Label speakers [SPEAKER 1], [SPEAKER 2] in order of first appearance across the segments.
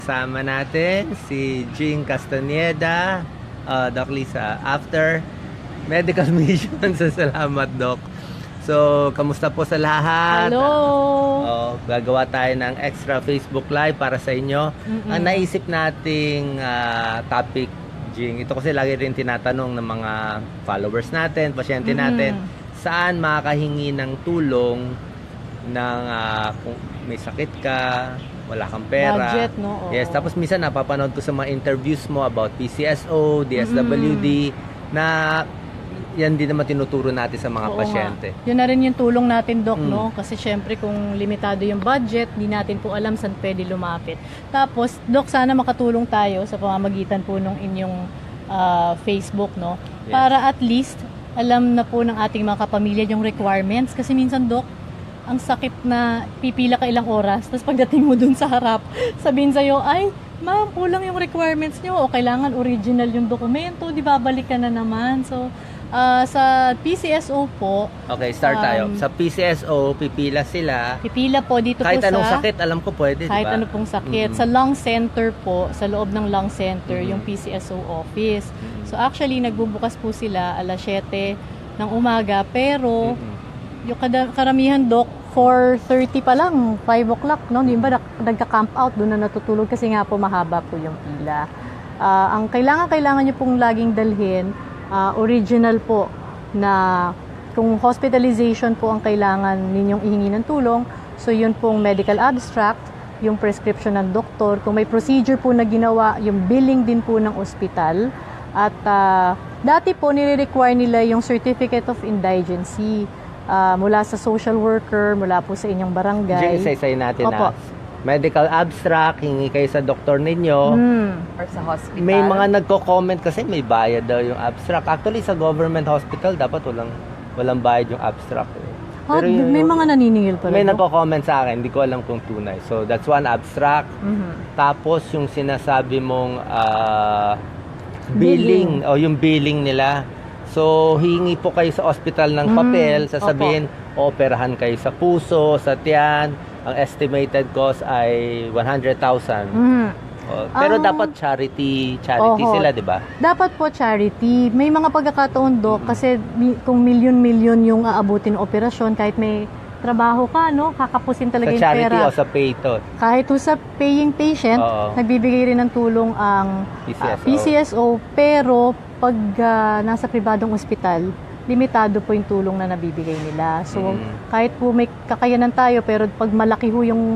[SPEAKER 1] Sama natin si Jing Castaneda, Doc Lisa, after medical mission sa Salamat, Doc. So, kamusta po sa lahat?
[SPEAKER 2] Hello!
[SPEAKER 1] Gagawa tayo ng extra Facebook Live para sa inyo. Ang naisip nating topic, Jing, ito kasi lagi rin tinatanong ng mga followers natin, pasyente natin, saan makakahingi ng tulong ng kung may sakit ka, wala kang pera.
[SPEAKER 2] Budget, no? Oo.
[SPEAKER 1] Yes, tapos minsan napapanood ko sa mga interviews mo about PCSO, DSWD, na yan din naman tinuturo natin sa mga
[SPEAKER 2] Oo
[SPEAKER 1] pasyente.
[SPEAKER 2] nga. Yun na rin yung tulong natin, Doc, no? Kasi syempre kung limitado yung budget, di natin po alam saan pwede lumapit. Tapos, Doc, sana makatulong tayo sa pamamagitan po ng inyong Facebook, no?
[SPEAKER 1] Yes.
[SPEAKER 2] Para at least, alam na po ng ating mga kapamilya yung requirements. Kasi minsan, Doc, ang sakit na pipila ka ilang oras, tapos pagdating mo dun sa harap, sabihin sa'yo, ay, ma'am, kulang yung requirements nyo, o kailangan original yung dokumento, di babalik ka na naman. So, sa PCSO po,
[SPEAKER 1] Okay, start tayo. Sa PCSO, pipila sila.
[SPEAKER 2] pipila po dito
[SPEAKER 1] Kahit
[SPEAKER 2] po
[SPEAKER 1] anong
[SPEAKER 2] sa...
[SPEAKER 1] sakit, alam ko pwede,
[SPEAKER 2] Kahit
[SPEAKER 1] diba?
[SPEAKER 2] ano pong sakit. Sa lung center po, sa loob ng lung center, yung PCSO office. So actually, nagbubukas po sila alas 7 ng umaga, pero yung karamihan, Doc, 4:30 pa lang, 5 o'clock, no? Di ba nagka-camp out, doon na natutulog kasi nga po mahaba po yung pila. Ang kailangan nyo pong laging dalhin, original po na kung hospitalization po ang kailangan ninyong ihingi ng tulong, so yun pong medical abstract, yung prescription ng doktor, kung may procedure po na ginawa, yung billing din po ng ospital, at dati po nire-require nila yung certificate of indigency mula sa social worker, mula po sa inyong barangay.
[SPEAKER 1] Jing, isa-isay natin
[SPEAKER 2] Opo.
[SPEAKER 1] medical abstract, hingi kayo sa doktor ninyo.
[SPEAKER 3] Or sa hospital.
[SPEAKER 1] May mga nagko-comment kasi may bayad daw yung abstract. Actually, sa government hospital, dapat walang bayad yung abstract. Pero
[SPEAKER 2] May mga naniningil pala.
[SPEAKER 1] may
[SPEAKER 2] Doc.
[SPEAKER 1] nagko-comment sa akin, hindi ko alam kung tunay. So, that's one abstract. Tapos, yung sinasabi mong billing, o yung billing nila. So, hingi po kayo sa hospital ng papel, sasabihin, operahan kayo sa puso, sa tiyan. Ang estimated cost ay 100,000. Pero dapat charity
[SPEAKER 2] Oho.
[SPEAKER 1] sila, di ba?
[SPEAKER 2] Dapat po charity. May mga pagkakataon, Doc, kasi kung milyon-milyon yung aabutin ng operasyon, kahit may trabaho ka, no, kakapusin talaga
[SPEAKER 1] Sa
[SPEAKER 2] yung
[SPEAKER 1] charity
[SPEAKER 2] pera.
[SPEAKER 1] o sa payto.
[SPEAKER 2] Kahit po sa paying patient,
[SPEAKER 1] Oo.
[SPEAKER 2] nagbibigay rin ng tulong ang
[SPEAKER 1] PCSO.
[SPEAKER 2] PCSO, pero pag nasa pribadong ospital, limitado po yung tulong na nabibigay nila. So, kahit po may kakayanan tayo, pero pag malaki ho yung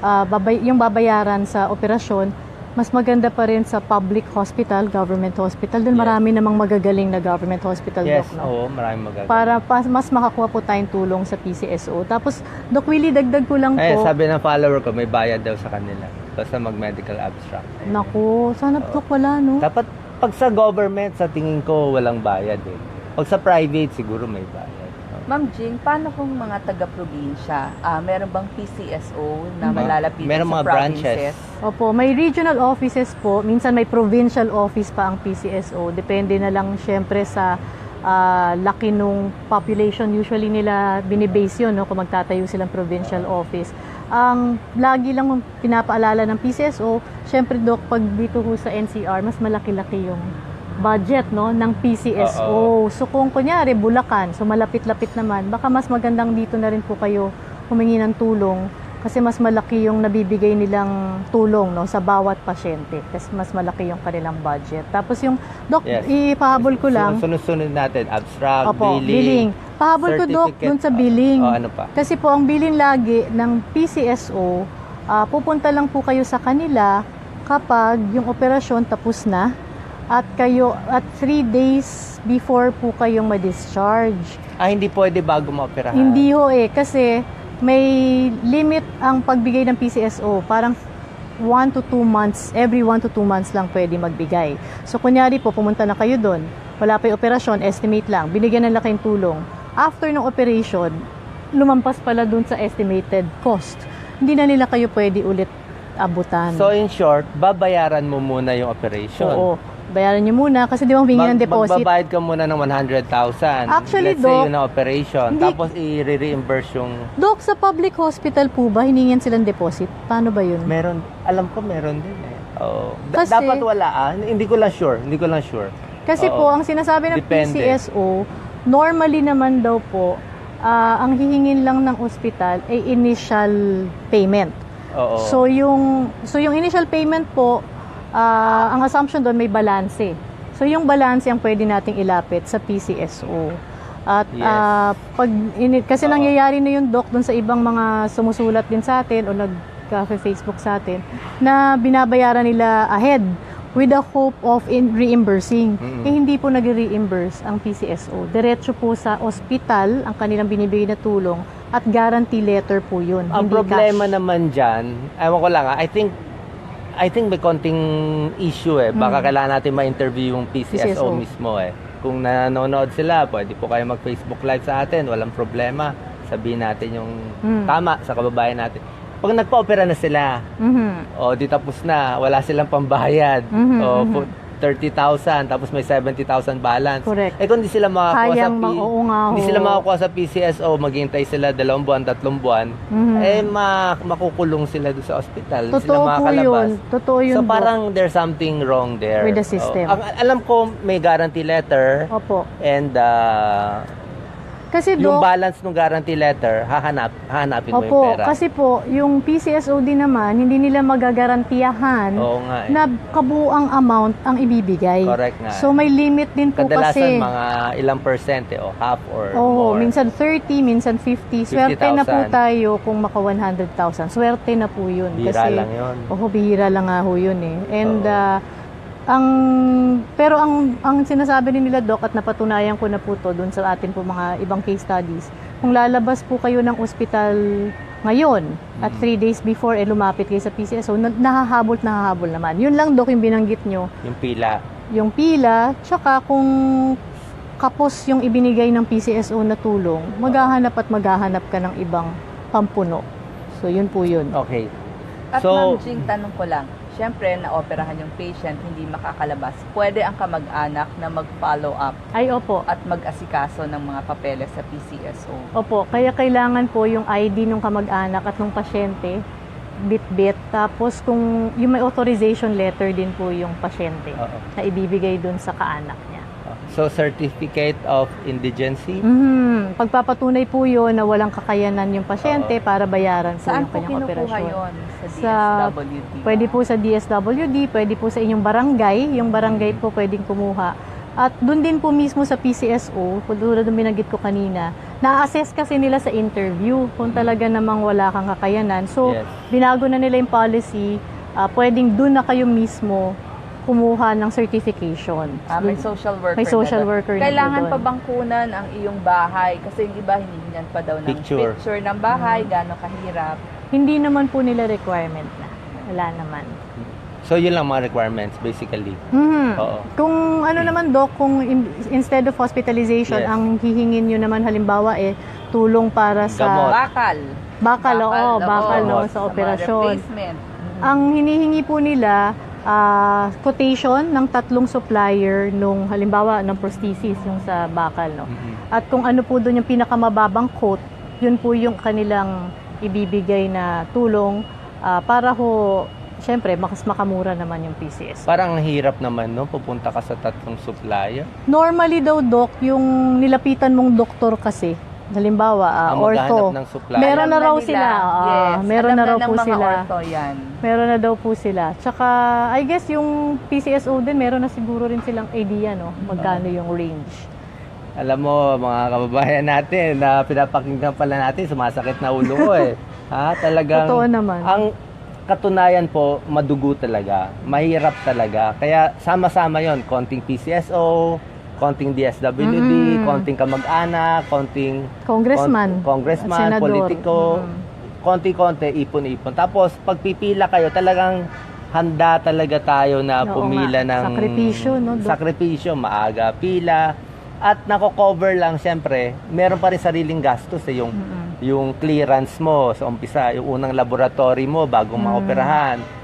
[SPEAKER 2] babayaran sa operasyon, mas maganda pa rin sa public hospital, government hospital. Doon marami namang magagaling na government hospital,
[SPEAKER 1] Yes,
[SPEAKER 2] Doc, no?
[SPEAKER 1] oo, maraming magagawa.
[SPEAKER 2] Para mas makakuha po tayong tulong sa PCSO. Tapos, Doc Willie, dagdag ko lang po.
[SPEAKER 1] Sabi ng follower ko, may bayad daw sa kanila. Basta mag-medical abstract.
[SPEAKER 2] Naku, sana Doc wala, no?
[SPEAKER 1] Dapat, pag sa government, sa tingin ko, walang bayad eh. Pag sa private, siguro may bayad.
[SPEAKER 3] Ma'am Jing, paano kung mga taga-probinsya? Meron bang PCSO na malalapitan
[SPEAKER 1] Meron
[SPEAKER 3] sa
[SPEAKER 1] mga
[SPEAKER 3] provinces?
[SPEAKER 1] branches.
[SPEAKER 2] Opo, may regional offices po. Minsan may provincial office pa ang PCSO. Depende na lang syempre sa laki nung population. Usually nila binibase yun, no, kung magtatayo silang provincial office. Ang lagi lang pinapaalala ng PCSO, syempre, Doc, pag dito ho sa NCR, mas malaki-laki yung budget, no, ng PCSO. So kung kunyari Bulacan, so malapit-lapit naman, baka mas magandang dito na rin po kayo humingi ng tulong kasi mas malaki yung nabibigay nilang tulong, no, sa bawat pasyente kasi mas malaki yung kanilang budget. Tapos yung Doc,
[SPEAKER 1] Yes.
[SPEAKER 2] ipahabol ko lang.
[SPEAKER 1] Sunod-sunod natin, abstract,
[SPEAKER 2] Opo,
[SPEAKER 1] billing,
[SPEAKER 2] Pahabol ko, Doc,
[SPEAKER 1] certificate.
[SPEAKER 2] dun sa billing.
[SPEAKER 1] Ano pa?
[SPEAKER 2] Kasi po ang billing lagi ng PCSO, pupunta lang po kayo sa kanila kapag yung operasyon tapos na at 3 days before po kayong ma-discharge.
[SPEAKER 1] Hindi pwede bago maoperahan.
[SPEAKER 2] Hindi ho kasi may limit ang pagbigay ng PCSO. Parang 1 to 2 months, every 1 to 2 months lang pwede magbigay. So kunyari po, pumunta na kayo doon, wala pa yung operasyon, estimate lang, binigyan na lang kayong tulong. After ng operation, lumampas pala doon sa estimated cost. Hindi na nila kayo pwede ulit abutan.
[SPEAKER 1] So in short, babayaran mo muna yung operation.
[SPEAKER 2] Oo. bayaran nyo muna kasi di ba humingi ng deposit.
[SPEAKER 1] Magbabayad ka muna ng 100,000.
[SPEAKER 2] Actually,
[SPEAKER 1] Let's say
[SPEAKER 2] Doc,
[SPEAKER 1] yun ang operation.
[SPEAKER 2] hindi-
[SPEAKER 1] Tapos i-reimburse yung...
[SPEAKER 2] Dok, sa public hospital po ba, hiningan silang deposit? Paano ba yun?
[SPEAKER 1] Meron, alam ko meron din eh. Oo.
[SPEAKER 2] Kasi-
[SPEAKER 1] Dapat wala Hindi ko lang sure.
[SPEAKER 2] Kasi
[SPEAKER 1] Oo.
[SPEAKER 2] po, ang sinasabi ng
[SPEAKER 1] Depende.
[SPEAKER 2] PCSO, normally naman daw po, ang hihingin lang ng ospital ay initial payment.
[SPEAKER 1] Oo.
[SPEAKER 2] So yung initial payment po, ang assumption doon may balanse. So yung balanse ang pwede nating ilapit sa PCSO. At
[SPEAKER 1] Yes.
[SPEAKER 2] kasi
[SPEAKER 1] Oo.
[SPEAKER 2] nangyayari na yung doc doon sa ibang mga sumusulat din sa atin o nag-Facebook sa atin na binabayaran nila ahead with the hope of reimbursing.
[SPEAKER 1] Mm-mm.
[SPEAKER 2] Hindi po nag-reimburse ang PCSO. Diretso po sa ospital ang kanilang binibigay na tulong at guarantee letter po yun.
[SPEAKER 1] Ang
[SPEAKER 2] hindi
[SPEAKER 1] problema
[SPEAKER 2] cash.
[SPEAKER 1] naman dyan, ewan ko lang I think may konting issue eh. Baka kailangan natin ma-interview yung PCSO
[SPEAKER 2] PCSO.
[SPEAKER 1] mismo eh. Kung nanonood sila, pwede po kayo mag-Facebook Live sa atin. Walang problema. Sabihin natin yung tama sa kababayan natin. Pag nagpa-opera na sila,
[SPEAKER 2] Mhm.
[SPEAKER 1] o di tapos na, wala silang pambayad.
[SPEAKER 2] Mhm,
[SPEAKER 1] O
[SPEAKER 2] mhm.
[SPEAKER 1] 30,000 tapos may 70,000 balance.
[SPEAKER 2] Correct.
[SPEAKER 1] Eh kung di sila makakuha
[SPEAKER 2] Oo nga ho.
[SPEAKER 1] hindi sila makakuha sa PCSO, maghihintay sila 2 buwan, 3 buwan,
[SPEAKER 2] Mhm.
[SPEAKER 1] makukulong sila doon sa ospital. Hindi sila
[SPEAKER 2] Totoo po
[SPEAKER 1] makakalabas.
[SPEAKER 2] yun. Totoo yun.
[SPEAKER 1] So
[SPEAKER 2] Doc.
[SPEAKER 1] parang there's something wrong there.
[SPEAKER 2] With the system.
[SPEAKER 1] Alam ko may guarantee letter
[SPEAKER 2] Opo.
[SPEAKER 1] and
[SPEAKER 2] Kasi
[SPEAKER 1] yung
[SPEAKER 2] Doc,
[SPEAKER 1] balance ng guarantee letter, hahanapin mo yung
[SPEAKER 2] opo,
[SPEAKER 1] pera.
[SPEAKER 2] kasi po, yung PCSO din naman, hindi nila magagarantiyahan
[SPEAKER 1] Oo nga eh.
[SPEAKER 2] na kabuang amount ang ibibigay.
[SPEAKER 1] Correct nga.
[SPEAKER 2] So may limit din po
[SPEAKER 1] Kadalasan
[SPEAKER 2] kasi.
[SPEAKER 1] mga ilang percente o half or
[SPEAKER 2] Oo,
[SPEAKER 1] more.
[SPEAKER 2] minsan 30, minsan 50. Swerte na po
[SPEAKER 1] 50,000.
[SPEAKER 2] tayo kung maka 100,000. Swerte na po yun.
[SPEAKER 1] Bihira lang yun.
[SPEAKER 2] Bihira lang nga ho yun eh. And
[SPEAKER 1] Oo.
[SPEAKER 2] pero ang sinasabi din nila Doc at napatunayan ko na po to doon sa atin po mga ibang case studies. Kung lalabas po kayo ng ospital ngayon at 3 days before lumapit kayo sa PCSO, nahahabol naman. Yun lang Doc yung binanggit nyo.
[SPEAKER 1] Yung pila.
[SPEAKER 2] Yung pila, tsaka kung kapos yung ibinigay ng PCSO na tulong, maghahanap ka ng ibang pampuno. So yun po yun.
[SPEAKER 1] Okay.
[SPEAKER 3] At
[SPEAKER 1] So-
[SPEAKER 3] Ma'am Jing, tanong ko lang, syempre, naoperahan yung patient, hindi makakalabas. Pwede ang kamag-anak na mag-follow up
[SPEAKER 2] Ay, opo.
[SPEAKER 3] at mag-asikaso ng mga papeles sa PCSO.
[SPEAKER 2] Opo, kaya kailangan po yung ID ng kamag-anak at ng pasyente, bit-bit. Tapos kung yung may authorization letter din po yung pasyente
[SPEAKER 1] Oo.
[SPEAKER 2] na ibibigay dun sa kaanak niya.
[SPEAKER 1] So, certificate of indigency.
[SPEAKER 2] Pagpapatunay po yun na walang kakayanan yung pasyente para bayaran po
[SPEAKER 3] Saan
[SPEAKER 2] yung
[SPEAKER 3] po
[SPEAKER 2] kanyang
[SPEAKER 3] kinukuha
[SPEAKER 2] operasyon.
[SPEAKER 3] yun? Sa
[SPEAKER 2] Sa-
[SPEAKER 3] DSWD?
[SPEAKER 2] Pwede po sa DSWD, pwede po sa inyong barangay. Yung barangay po pwedeng kumuha. At doon din po mismo sa PCSO, tulad ng binanggit ko kanina, na-assess kasi nila sa interview kung talaga namang wala kang kakayanan. So,
[SPEAKER 1] Yes.
[SPEAKER 2] binago na nila yung policy, pwedeng doon na kayo mismo kumuha ng certification.
[SPEAKER 3] May social worker.
[SPEAKER 2] May social
[SPEAKER 3] na doon.
[SPEAKER 2] worker na
[SPEAKER 3] Kailangan
[SPEAKER 2] doon.
[SPEAKER 3] pa bang kunan ang iyong bahay? Kasi yung iba hinihingan pa daw ng
[SPEAKER 1] Picture.
[SPEAKER 3] picture ng bahay, gaano kahirap.
[SPEAKER 2] Hindi naman po nila requirement na. Wala naman.
[SPEAKER 1] So, yun lang mga requirements, basically. Oo.
[SPEAKER 2] Kung ano naman Doc, kung instead of hospitalization,
[SPEAKER 1] Yes.
[SPEAKER 2] ang hihingin nyo naman halimbawa tulong para sa
[SPEAKER 1] Gamot.
[SPEAKER 3] Bakal,
[SPEAKER 2] bakal
[SPEAKER 1] oo.
[SPEAKER 2] sa
[SPEAKER 3] mga
[SPEAKER 2] operasyon.
[SPEAKER 3] replacement.
[SPEAKER 2] Ang hinihingi po nila, quotation ng 3 supplier nung halimbawa ng prosthesis yung sa bakal, no. At kung ano po doon yung pinakamababang quote, yun po yung kanilang ibibigay na tulong para ho syempre mas makamura naman yung PCS.
[SPEAKER 1] Parang ang hirap naman, no? Pupunta ka sa 3 supplier.
[SPEAKER 2] Normally daw Doc, yung nilapitan mong doktor kasi, halimbawa
[SPEAKER 1] Ang
[SPEAKER 2] ortho,
[SPEAKER 1] maghahanap ng supplier.
[SPEAKER 2] meron na
[SPEAKER 3] Alam
[SPEAKER 2] raw
[SPEAKER 3] nila.
[SPEAKER 2] sila.
[SPEAKER 3] Yes.
[SPEAKER 2] Meron
[SPEAKER 3] Alam
[SPEAKER 2] na raw
[SPEAKER 3] ng
[SPEAKER 2] po
[SPEAKER 3] mga
[SPEAKER 2] sila.
[SPEAKER 3] ortho yan.
[SPEAKER 2] Meron na daw po sila. Tsaka, I guess yung PCSO din, meron na siguro rin silang idea, no? Magkano yung range.
[SPEAKER 1] Alam mo, mga kababayan natin, na pinapakinggan pala natin, sumasakit na ulo ko eh. Talagang,
[SPEAKER 2] Totoo naman.
[SPEAKER 1] ang katunayan po, madugo talaga. Mahirap talaga. Kaya sama-sama yon, konting PCSO, konting DSWD, konting kamag-anak, konting
[SPEAKER 2] Congressman.
[SPEAKER 1] congressman,
[SPEAKER 2] Senador.
[SPEAKER 1] politiko, konti-konti, ipon-ipon. Tapos, pag pipila kayo, talagang handa talaga tayo na
[SPEAKER 2] Oo
[SPEAKER 1] pumila
[SPEAKER 2] nga.
[SPEAKER 1] ng
[SPEAKER 2] Sakripisyo, no, Doc?
[SPEAKER 1] sakripisyo, maaga pila. At nako-cover lang, siyempre, meron pa rin sariling gastos eh, yung clearance mo sa umpisa, yung unang laboratory mo bagong maoperahan.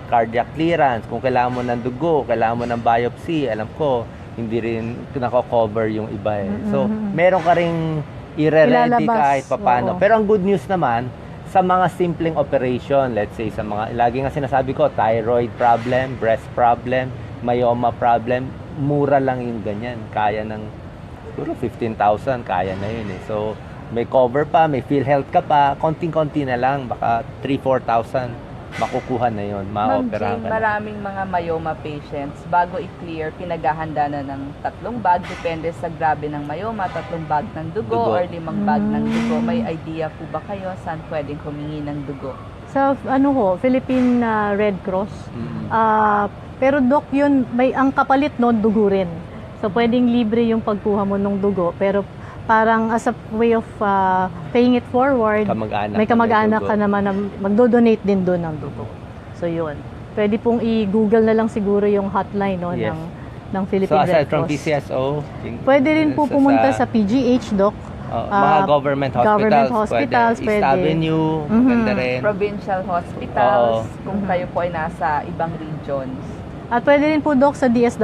[SPEAKER 1] cardiac clearance, kung kailangan mo ng dugo, kailangan mo ng biopsy, alam ko, hindi rin nako-cover yung iba eh. So, meron ka ring i-ready
[SPEAKER 2] Ilalabas.
[SPEAKER 1] kahit papano.
[SPEAKER 2] Oo.
[SPEAKER 1] Pero ang good news naman, sa mga simpleng operation, let's say sa mga, lagi nga sinasabi ko, thyroid problem, breast problem, myoma problem, mura lang yung ganyan. Kaya ng, siguro 15,000, kaya na yun eh. So, may cover pa, may PhilHealth ka pa, konting-konti na lang, baka 3,000-4,000, makukuha na yun,
[SPEAKER 3] Ma'am
[SPEAKER 1] ma-operahan
[SPEAKER 3] Jane,
[SPEAKER 1] ka na.
[SPEAKER 3] maraming mga myoma patients, bago i-clear, pinaghahanda na ng 3 bag, depende sa grabe ng myoma, 3 bag ng dugo,
[SPEAKER 1] Dugo.
[SPEAKER 3] or 5 bag ng dugo. May idea po ba kayo saan pwedeng humingi ng dugo?
[SPEAKER 2] Sa Philippine Red Cross.
[SPEAKER 1] Mm.
[SPEAKER 2] Pero Doc, yun, ang kapalit noon, dugo rin. So, pwedeng libre yung pagkuha mo ng dugo. Pero parang as a way of paying it forward,
[SPEAKER 1] Kamag-anak
[SPEAKER 2] may
[SPEAKER 1] na
[SPEAKER 2] kamag-anak
[SPEAKER 1] dugo.
[SPEAKER 2] ka naman na magdo-donate din doon ng dugo. So, yun. Pwede pong i-google na lang siguro yung hotline no,
[SPEAKER 1] Yes.
[SPEAKER 2] ng
[SPEAKER 1] So,
[SPEAKER 2] Philippine
[SPEAKER 1] aside
[SPEAKER 2] Red
[SPEAKER 1] from
[SPEAKER 2] Cross.
[SPEAKER 1] PCSO,
[SPEAKER 2] Pwede rin po pumunta sa PGH, Doc.
[SPEAKER 1] mga government hospitals,
[SPEAKER 2] government hospitals,
[SPEAKER 1] pwede. East
[SPEAKER 2] pwede.
[SPEAKER 1] Avenue,
[SPEAKER 2] Mhm.
[SPEAKER 1] maganda rin.
[SPEAKER 3] Provincial hospitals,
[SPEAKER 1] Oo.
[SPEAKER 3] kung kayo po ay nasa ibang regions.
[SPEAKER 2] At pwede rin po, Doc, sa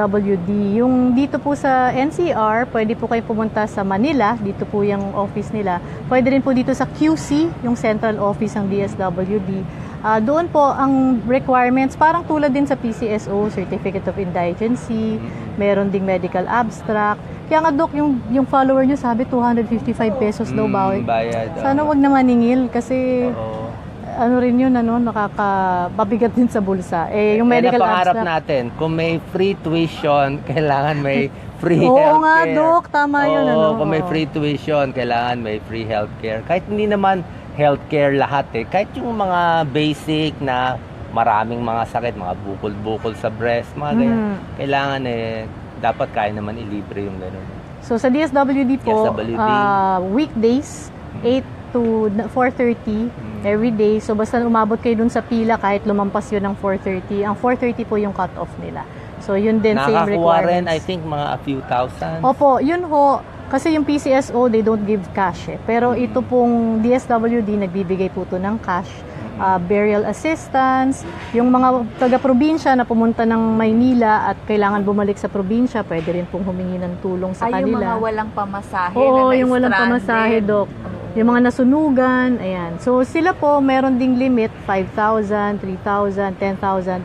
[SPEAKER 2] DSWD. Yung dito po sa NCR, pwede po kayo pumunta sa Manila. Dito po yung office nila. Pwede rin po dito sa QC, yung central office ng DSWD. Doon po ang requirements, parang tulad din sa PCSO, Certificate of Indigency, meron ding medical abstract. Kaya nga, Doc, yung follower nyo sabi 255 pesos daw bawat.
[SPEAKER 1] Bayad.
[SPEAKER 2] Sana wag na maningil kasi
[SPEAKER 1] Oo.
[SPEAKER 2] ano rin yun, nakakababigat din sa bulsa. Eh, yung medical
[SPEAKER 1] Yan ang pangarap
[SPEAKER 2] abstract.
[SPEAKER 1] natin. Kung may free tuition, kailangan may free
[SPEAKER 2] Oo
[SPEAKER 1] healthcare.
[SPEAKER 2] nga, Doc. Tama yun,
[SPEAKER 1] Oo,
[SPEAKER 2] ano.
[SPEAKER 1] kung may free tuition, kailangan may free healthcare. Kahit hindi naman healthcare lahat eh. Kahit yung mga basic na maraming mga sakit, mga bukol-bukol sa breast, mga ganyan. Kailangan dapat kaya naman ilibre yung gano'n.
[SPEAKER 2] So, sa DSWD po,
[SPEAKER 1] DSWD.
[SPEAKER 2] weekdays, 8 to 4:30 every day. So, basta umabot kayo dun sa pila, kahit lumampas yun ng 4:30. Ang 4:30 po yung cut-off nila. So, yun din, same
[SPEAKER 1] Nakakuha
[SPEAKER 2] requirements.
[SPEAKER 1] rin, I think, mga a few thousand.
[SPEAKER 2] Opo, yun ho. Kasi yung PCSO, they don't give cash eh. Pero ito pong DSWD, nagbibigay po to ng cash. Burial assistance, yung mga taga-probinsya na pumunta ng Maynila at kailangan bumalik sa probinsya, pwede rin pong humingi ng tulong sa
[SPEAKER 3] Ay, yung
[SPEAKER 2] kanila.
[SPEAKER 3] mga walang pamasahe
[SPEAKER 2] Oo,
[SPEAKER 3] na
[SPEAKER 2] yung walang pamasahe, Doc. Yung mga nasunugan, ayan. So, sila po, meron ding limit, 5,000, 3,000, 10,000.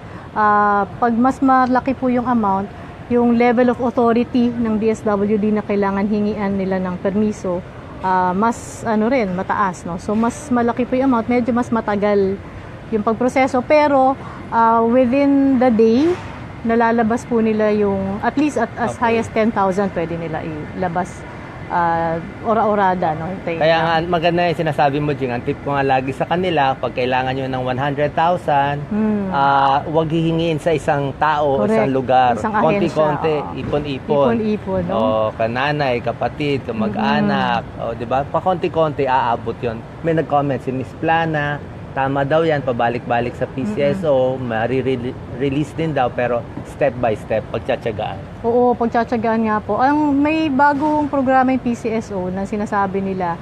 [SPEAKER 2] Pag mas malaki po yung amount, yung level of authority ng DSWD na kailangan hingian nila ng permiso, mas mataas, no? So, mas malaki po yung amount, medyo mas matagal yung pagproseso. Pero, within the day, nalalabas po nila yung, at least at as high as 10,000, pwede nila ilabas ora-orada, no? Hintayin
[SPEAKER 1] Kaya
[SPEAKER 2] lang.
[SPEAKER 1] nga, maganda yung sinasabi mo, Jing. Ang tip ko nga lagi sa kanila, pag kailangan nyo ng 100,000, huwag hihingiin sa isang tao,
[SPEAKER 2] Correct.
[SPEAKER 1] isang lugar.
[SPEAKER 2] Isang ahensya,
[SPEAKER 1] Konti-konti,
[SPEAKER 2] oo.
[SPEAKER 1] ipon-ipon.
[SPEAKER 2] Ipon-ipon, no?
[SPEAKER 1] Kananay, kapatid, kamag-anak. Di ba? Pa-konti-konti, aabot yon. May nag-comment si Miss Plana, tama daw yan, pabalik-balik sa PCSO, release din daw, pero step by step, pagtsatsagaan.
[SPEAKER 2] Oo, pagtsatsagaan nga po. May bagong programa yung PCSO na sinasabi nila,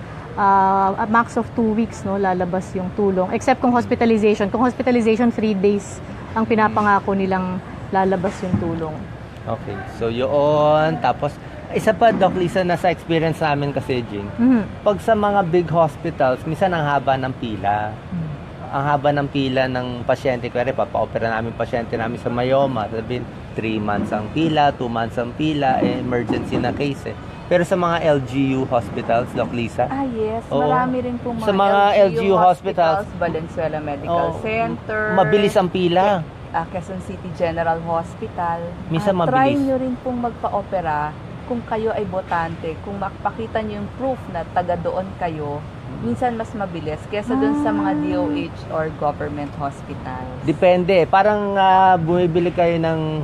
[SPEAKER 2] a max of 2 weeks, no, lalabas yung tulong. Except kung hospitalization. Kung hospitalization, 3 days ang pinapangako nilang lalabas yung tulong.
[SPEAKER 1] Okay, so yun. Tapos, isa pa, Doc Lisa, na sa experience namin kasi, Jing, pag sa mga big hospitals, minsan ang haba ng pila. Ang haba ng pila ng pasyente. Kaya papa-opera namin pasyente namin sa myoma. Sabihin, 3 months ang pila, 2 months ang pila, emergency na case eh. Pero sa mga LGU hospitals, Doc Lisa,
[SPEAKER 3] yes.
[SPEAKER 1] Oo.
[SPEAKER 3] Marami rin pong mga
[SPEAKER 1] Sa mga LGU hospitals,
[SPEAKER 3] Valenzuela Medical Center,
[SPEAKER 1] mabilis ang pila.
[SPEAKER 3] Quezon City General Hospital.
[SPEAKER 1] Minsan
[SPEAKER 3] Try
[SPEAKER 1] mabilis.
[SPEAKER 3] nyo rin pong magpa-opera kung kayo ay botante. Kung makapakita nyo yung proof na taga doon kayo, minsan mas mabilis kesa dun sa mga DOH or government hospitals.
[SPEAKER 1] Depende. Parang bumibili kayo ng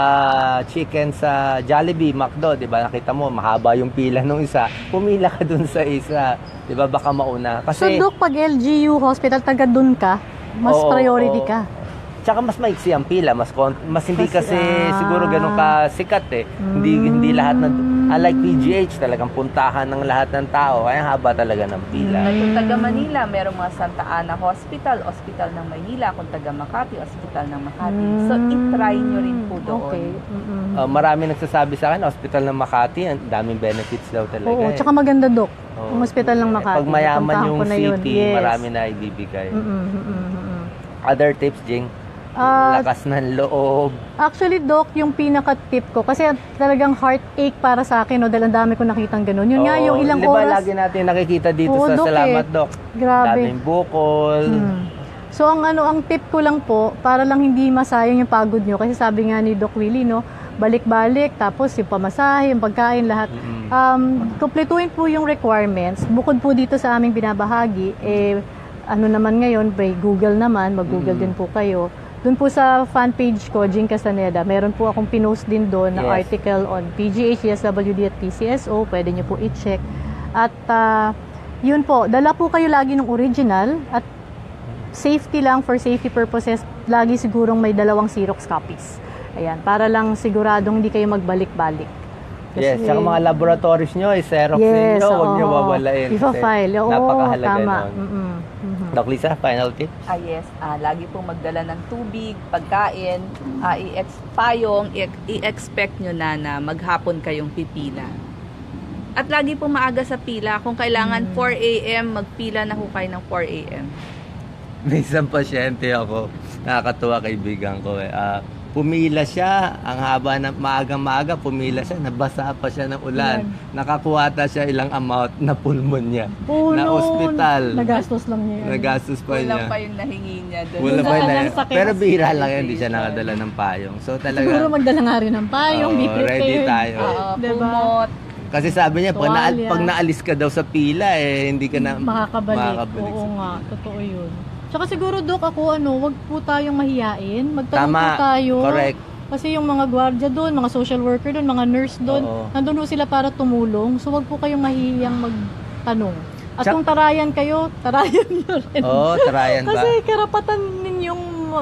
[SPEAKER 1] chicken sa Jollibee, McDo, 'di ba? Nakita mo mahaba yung pila nung isa. Pumila ka dun sa isa, 'di ba? Baka mauna.
[SPEAKER 2] So,
[SPEAKER 1] Kasi
[SPEAKER 2] Doc, pag LGU hospital, taga dun ka, mas
[SPEAKER 1] Oo,
[SPEAKER 2] priority
[SPEAKER 1] oo.
[SPEAKER 2] ka.
[SPEAKER 1] Tsaka mas maiksi ang pila, mas hindi kasi siguro ganun ka sikat eh.
[SPEAKER 2] Mm.
[SPEAKER 1] Hindi lahat unlike PGH, talagang puntahan ng lahat ng tao. Kaya haba talaga ng pila.
[SPEAKER 3] Kung taga Manila, merong mga Santa Ana Hospital, Hospital ng Maynila. Kung taga Makati, Hospital ng Makati. So, i-try nyo rin po doon.
[SPEAKER 2] Okay.
[SPEAKER 1] Marami nagsasabi sa akin, hospital ng Makati, ang daming benefits daw talaga.
[SPEAKER 2] Oo,
[SPEAKER 1] eh.
[SPEAKER 2] tsaka maganda, Dok.
[SPEAKER 1] Oo.
[SPEAKER 2] Ang hospital ng Makati.
[SPEAKER 1] Pag mayaman
[SPEAKER 2] napuntahan
[SPEAKER 1] yung
[SPEAKER 2] ko na yun.
[SPEAKER 1] city,
[SPEAKER 2] Yes.
[SPEAKER 1] marami na ibibigay.
[SPEAKER 2] Mm-mm.
[SPEAKER 1] Other tips, Jing?
[SPEAKER 2] Ah,
[SPEAKER 1] Lakas ng loob.
[SPEAKER 2] Actually, Doc, yung pinaka-tip ko, kasi talagang heartache para sa akin, no, dahil ang dami ko nakitang ganun. Yun nga,
[SPEAKER 1] Oo,
[SPEAKER 2] yung ilang
[SPEAKER 1] di ba,
[SPEAKER 2] oras.
[SPEAKER 1] lagi natin nakikita dito
[SPEAKER 2] Oo,
[SPEAKER 1] sa
[SPEAKER 2] Doc,
[SPEAKER 1] Salamat,
[SPEAKER 2] eh.
[SPEAKER 1] Doc.
[SPEAKER 2] Grabe.
[SPEAKER 1] Daming bukol.
[SPEAKER 2] So, ang tip ko lang po, para lang hindi masayang yung pagod nyo, kasi sabi nga ni Doc Willie, no, balik-balik, tapos yung pamasahe, yung pagkain, lahat. Kumpletuhin po yung requirements. Bukod po dito sa aming binabahagi, ano naman ngayon, by Google naman, mag-Google din po kayo. Doon po sa fan page ko, Jing Castaneda, meron po akong pinost din doon na
[SPEAKER 1] Yes.
[SPEAKER 2] article on PGH, ESWD at PCSO. Pwede nyo po i-check. At yun po, dala po kayo lagi ng original at safety lang, for safety purposes, lagi sigurong may 2 Xerox copies. Ayan, para lang siguradong hindi kayo magbalik-balik.
[SPEAKER 1] Yes, saka mga laboratories nyo, i-xerox
[SPEAKER 2] Yes,
[SPEAKER 1] ninyo, huwag nyo
[SPEAKER 2] oo.
[SPEAKER 1] wawalain.
[SPEAKER 2] Ipa-file, oo,
[SPEAKER 1] napakahalaga
[SPEAKER 2] tama.
[SPEAKER 1] nun. Doc Lisa, final tip?
[SPEAKER 3] Yes, lagi pong magdala ng tubig, pagkain, i-expect nyo na maghapon kayong pipila. At lagi pong maaga sa pila, kung kailangan 4 a.m., magpila na ho kayo ng 4 a.m.
[SPEAKER 1] May isang pasyente ako, nakakatuwa kaibigan ko eh. Pumila siya, ang haba ng maaga-maaga, pumila siya, nabasa pa siya ng ulan. Nakakuha ta siya ilang amount na pulmonya, na ospital.
[SPEAKER 2] Nagastos lang niya yan.
[SPEAKER 1] Nagastos pa
[SPEAKER 3] Kulang
[SPEAKER 1] niya.
[SPEAKER 3] pa yung nahingi niya doon.
[SPEAKER 1] Wala pa
[SPEAKER 2] Wala
[SPEAKER 1] na.
[SPEAKER 2] ng sakit.
[SPEAKER 1] Pero bihira lang yan, hindi siya nakadala ng payong. So talaga,
[SPEAKER 2] Siguro magdala nga rin ng payong, be
[SPEAKER 1] Oo,
[SPEAKER 2] prepared.
[SPEAKER 1] ready tayo.
[SPEAKER 2] Diba?
[SPEAKER 3] Kumot.
[SPEAKER 1] kasi sabi niya,
[SPEAKER 2] Tuwalya.
[SPEAKER 1] pag naalis ka daw sa pila, hindi ka na
[SPEAKER 2] Makakabalik.
[SPEAKER 1] makakabalik
[SPEAKER 2] Oo
[SPEAKER 1] sa
[SPEAKER 2] nga,
[SPEAKER 1] pila.
[SPEAKER 2] totoo yun. Tsaka siguro, Dok, wag po tayong mahiyain. Magtanong
[SPEAKER 1] Tama,
[SPEAKER 2] po tayo.
[SPEAKER 1] correct.
[SPEAKER 2] Kasi yung mga gwardiya doon, mga social worker doon, mga nurse doon,
[SPEAKER 1] Oo.
[SPEAKER 2] nandun po sila para tumulong. So, wag po kayong mahihiyang magtanong. At
[SPEAKER 1] Tsak-
[SPEAKER 2] kung tarayan kayo, tarayan nyo rin.
[SPEAKER 1] Oo, tarayan ba?
[SPEAKER 2] Kasi karapatan ninyong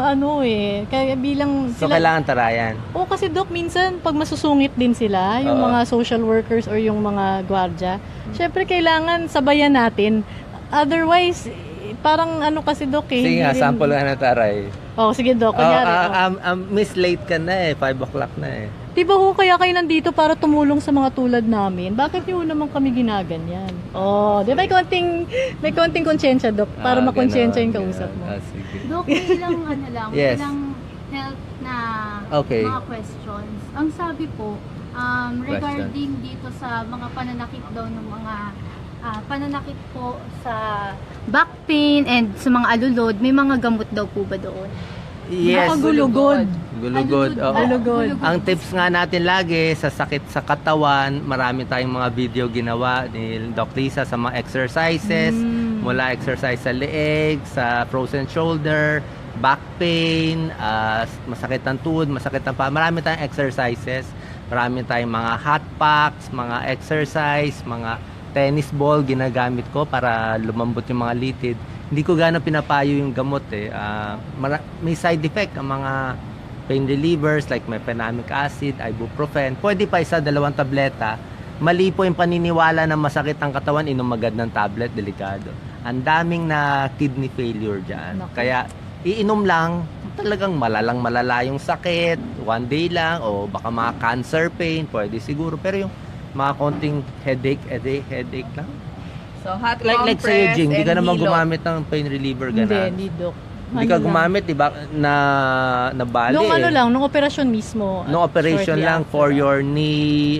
[SPEAKER 2] kaya bilang
[SPEAKER 1] So kailangan tarayan.
[SPEAKER 2] Oo, kasi Dok, minsan pag masusungit din sila, yung
[SPEAKER 1] Oo.
[SPEAKER 2] mga social workers or yung mga gwardiya, syempre kailangan sabayan natin. Otherwise, parang kasi Dok eh.
[SPEAKER 1] Sige
[SPEAKER 2] hindi
[SPEAKER 1] nga,
[SPEAKER 2] rin-
[SPEAKER 1] sample nga na taray.
[SPEAKER 2] Oh, sige Dok, kunyari.
[SPEAKER 1] Miss late ka na 5 o'clock na eh.
[SPEAKER 2] Di ba ho kaya kayo nandito para tumulong sa mga tulad namin? Bakit niyo naman kami ginaganyan? Oh, di ba may konting konsyensya, Dok, para makonsyensya yung kausap mo.
[SPEAKER 1] Sige.
[SPEAKER 4] Dok, may ilang lang,
[SPEAKER 1] Yes.
[SPEAKER 4] ilang health na
[SPEAKER 1] Okay.
[SPEAKER 4] mga questions. Ang sabi po, regarding dito sa mga pananakit daw ng mga pananakit po sa back pain and sa mga alulod, may mga gamot daw po ba doon?
[SPEAKER 1] Yes.
[SPEAKER 2] Nakagulugod.
[SPEAKER 1] Gulugod. oo.
[SPEAKER 2] Alugod.
[SPEAKER 1] Ang tips nga natin lagi sa sakit sa katawan, marami tayong mga video ginawa ni Doc Lisa sa mga exercises, mula exercise sa leeg, sa frozen shoulder, back pain, masakit ng tuhod, masakit ng paa. Marami tayong exercises, marami tayong mga hot packs, mga exercise, mga tennis ball ginagamit ko para lumambot yung mga litid. Hindi ko gano'ng pinapayo yung gamot eh. May side effect ang mga pain relievers like mefenamic acid, ibuprofen. Pwede pa 1-2 tableta. Mali po yung paniniwala na masakit ang katawan, inom agad ng tablet, delikado. Ang daming na kidney failure dyan.
[SPEAKER 2] Naku.
[SPEAKER 1] Kaya iinom lang, talagang malala yung sakit, one day lang, o baka mga cancer pain, pwede siguro. Pero yung mga konting headache lang.
[SPEAKER 3] So, hot
[SPEAKER 1] Like
[SPEAKER 3] compress
[SPEAKER 1] sa'yo, Jing, hindi ka
[SPEAKER 3] and
[SPEAKER 1] naman
[SPEAKER 3] Hilot.
[SPEAKER 1] gumamit ng pain reliever,
[SPEAKER 2] Hindi,
[SPEAKER 1] gano'n.
[SPEAKER 2] hindi, Dok.
[SPEAKER 1] Hindi ka
[SPEAKER 2] Ano lang.
[SPEAKER 1] gumamit, di ba, na bali
[SPEAKER 2] Nung
[SPEAKER 1] eh.
[SPEAKER 2] nung operasyon mismo.
[SPEAKER 1] Nung operation
[SPEAKER 2] shortly
[SPEAKER 1] lang
[SPEAKER 2] after.
[SPEAKER 1] for your knee,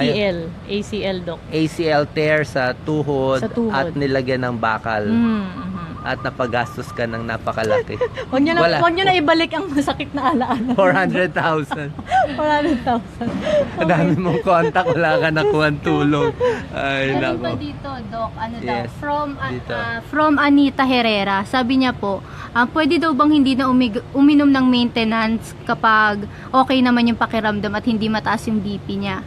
[SPEAKER 2] ACL, Dok.
[SPEAKER 1] ACL tear sa tuhod,
[SPEAKER 2] Sa tuhod.
[SPEAKER 1] at nilagyan ng bakal. At napagastos ka ng napakalaki.
[SPEAKER 2] Wag niyo
[SPEAKER 1] Wala.
[SPEAKER 2] na ibalik ang masakit na alaala.
[SPEAKER 1] 400,000.
[SPEAKER 2] 400,000.
[SPEAKER 1] Ang dami mong contact, wala ka nakuha tulong. Ay,
[SPEAKER 4] Meron pa
[SPEAKER 1] nako.
[SPEAKER 4] dito, Doc,
[SPEAKER 1] Yes, dito.
[SPEAKER 4] from Anita Herrera. Sabi niya po, pwede daw bang hindi na uminom ng maintenance kapag okay naman yung pakiramdam at hindi mataas yung BP niya?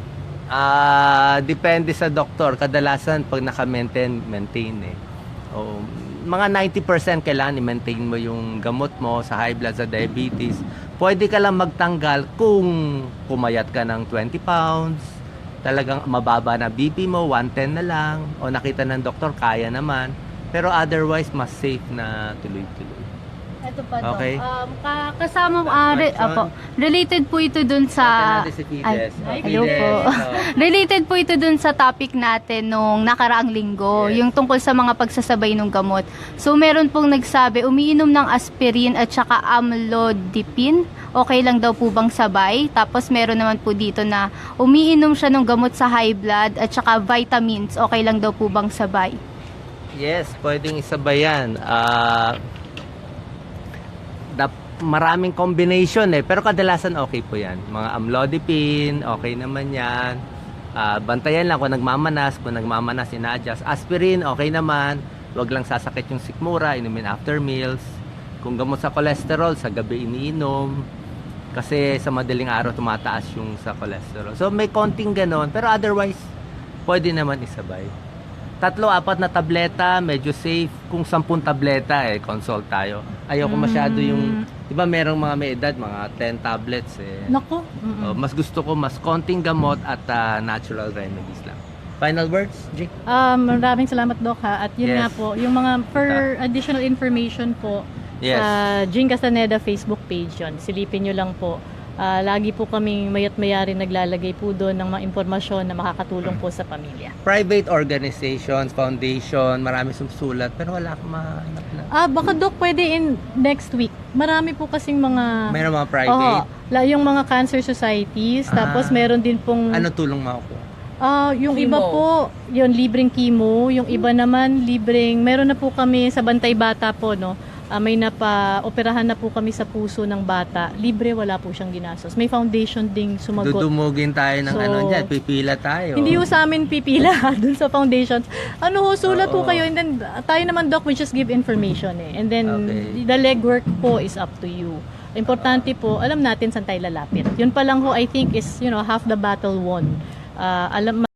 [SPEAKER 1] Depende sa doktor. Kadalasan, pag naka-maintain eh. O, mga 90% kailangan i-maintain mo yung gamot mo sa high blood, sa diabetes. Pwede ka lang magtanggal kung pumayat ka ng 20 pounds, talagang mababa na BP mo, 110 na lang, o nakita ng doktor, kaya naman. Pero otherwise, mas safe na tuloy-tuloy.
[SPEAKER 4] Ito pa to.
[SPEAKER 1] Okay.
[SPEAKER 4] Kasama,
[SPEAKER 1] Next question.
[SPEAKER 4] related po ito dun sa...
[SPEAKER 1] Natin si Fides.
[SPEAKER 4] Ay,
[SPEAKER 1] Oh,
[SPEAKER 4] hello po.
[SPEAKER 1] Fides,
[SPEAKER 4] Related po ito dun sa topic natin nung nakaraang linggo,
[SPEAKER 1] Yes.
[SPEAKER 4] yung tungkol sa mga pagsasabay ng gamot. So, meron pong nagsabi, umiinom ng aspirin at saka amlodipine. Okay lang daw po bang sabay? Tapos meron naman po dito na umiinom siya ng gamot sa high blood at saka vitamins. Okay lang daw po bang sabay?
[SPEAKER 1] Yes, pwedeng isabay yan. Maraming combination pero kadalasan okay po yan. Mga amlodipine, okay naman yan. Bantayan lang kung nagmamanas, ina-adjust. Aspirin, okay naman. Huwag lang sasakit yung sikmura, inumin after meals. Kung gamot sa cholesterol, sa gabi iniinom. Kasi sa madaling araw tumataas yung sa cholesterol. So may konting ganon, pero otherwise, pwede naman isabay. 3-4 na tableta, medyo safe. Kung 10 tableta, consult tayo. Ayoko masyado yung, di ba merong mga may edad, mga 10 tablets
[SPEAKER 2] Naku.
[SPEAKER 1] Mas gusto ko mas konting gamot at natural remedies lang. Final words, Jake?
[SPEAKER 2] Maraming salamat, Doc, ha. At yun
[SPEAKER 1] Yes.
[SPEAKER 2] nga po, yung mga for additional information po,
[SPEAKER 1] Yes.
[SPEAKER 2] sa Jing Castaneda Facebook page yun. Silipin nyo lang po. Lagi po kaming mayat mayari naglalagay po doon ng mga impormasyon na makakatulong po sa pamilya.
[SPEAKER 1] Private organizations, foundation, marami sumusulat, pero wala akong mahanap na.
[SPEAKER 2] Baka, Doc, pwede in next week. Marami po kasing mga...
[SPEAKER 1] Mayroon mga private.
[SPEAKER 2] Yung mga cancer societies, tapos meron din pong...
[SPEAKER 1] Ano tulong makukuha?
[SPEAKER 2] Yung
[SPEAKER 3] Chemo.
[SPEAKER 2] iba po, yung libreng chemo, yung iba naman libreng, meron na po kami sa Bantay Bata po, no? May operahan na po kami sa puso ng bata. Libre, wala po siyang ginastos. May foundation ding sumagot.
[SPEAKER 1] Dudumugin tayo ng
[SPEAKER 2] So,
[SPEAKER 1] dyan, pipila tayo.
[SPEAKER 2] Hindi ho sa amin pipila dun sa foundations. Sulat po
[SPEAKER 1] Oo.
[SPEAKER 2] kayo, and then tayo naman, Doc, we just give information And then
[SPEAKER 1] Okay.
[SPEAKER 2] the legwork po is up to you. Importante po, alam natin saan tayo lalapit. Yun pa lang ho, I think, is half the battle won. Alam